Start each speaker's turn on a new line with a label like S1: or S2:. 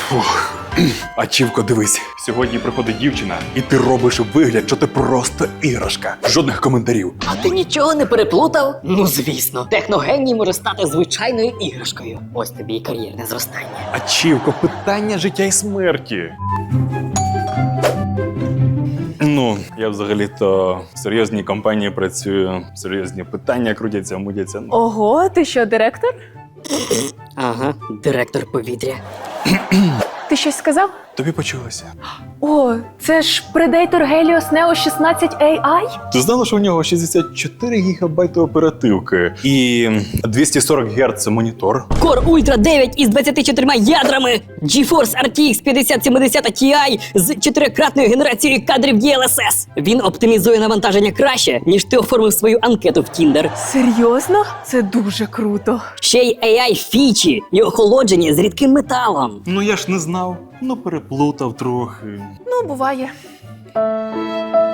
S1: Ачівко, дивись, сьогодні приходить дівчина, і ти робиш вигляд, що ти просто іграшка. Жодних коментарів.
S2: А ти нічого не переплутав? Ну, звісно, техногеній може стати звичайною іграшкою. Ось тобі і кар'єрне зростання.
S1: Ачівко, питання життя і смерті. Ну, я взагалі-то в серйозній компанії працюю, серйозні питання крутяться, мудяться.
S3: Ого, ти що, директор?
S2: Ага, директор повітря.
S3: Ти щось сказав?
S1: Тобі почулося.
S3: О, це ж Predator Helios Neo 16 AI?
S1: Ти знала, що у нього 64 гігабайти оперативки і 240 Гц монітор?
S2: Core Ultra 9 із 24 ядрами, GeForce RTX 5070 Ti з 4-кратною генерацією кадрів DLSS. Він оптимізує навантаження краще, ніж ти оформив свою анкету в Tinder.
S3: Серйозно? Це дуже круто.
S2: Ще й AI-фічі і охолодження з рідким металом.
S1: Ну я ж не знав. Ну переплутав трохи.
S3: Ну, буває.